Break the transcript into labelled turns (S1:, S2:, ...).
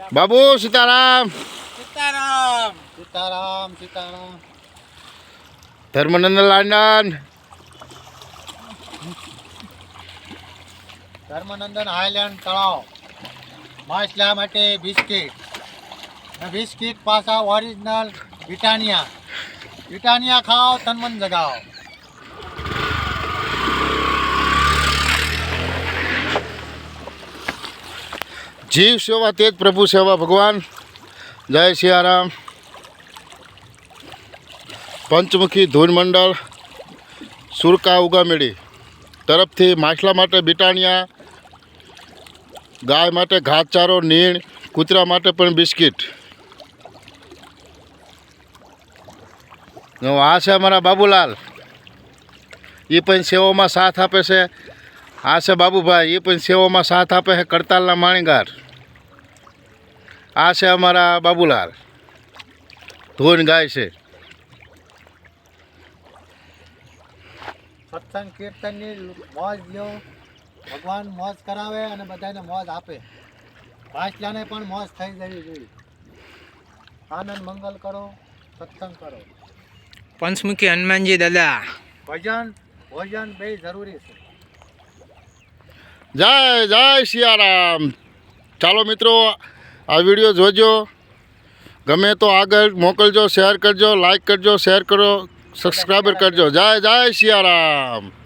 S1: बाबू सीताराम
S2: सीताराम सीताराम सीताराम
S1: धर्मनंदन लांडन
S2: ધર્મનંદન હાઈલેન્ડ તળાવ માછલા માટે બિસ્કિટ પાછા ઓરિજિનલ બ્રિટાનિયા ખાઓ તનમન જગાઓ.
S1: जीव सेवा तेज प्रभु सेवा भगवान. जय सियाराम. पंचमुखी धून मंडल सुरका उगामेड़ी तरफ थी माछला माटे बिटानिया, गाय माटे घासचारो, नीण, कूतरा माटे पण बिस्किट. आ से अमरा बाबूलाल, ये पण सेवा में साथ आपे से. आ से बाबूभाई, ये पण सेवा में साथ आपे है करतालना माणीगार. आ से अमरा बाबूलाल धून गाय से.
S2: સત્સંગ કીર્તનની મોજ લ્યો, ભગવાન મોજ કરાવે અને બધાને મોજ આપે. માછલાને પણ મોજ થઈ જવી જોઈએ. આનંદ મંગલ કરો, સત્સંગ કરો.
S3: પંચમુખી હનુમાનજી દાદા
S2: ભોજન બે જરૂરી છે.
S1: जय जय सियाराम. चलो मित्रों, आ वीडियो जोजो, गमे तो आगे मोकलजो, शेर करजो, लाइक करजो, शेर करो, सब्सक्राइबर करजो. जय जय सियाराम.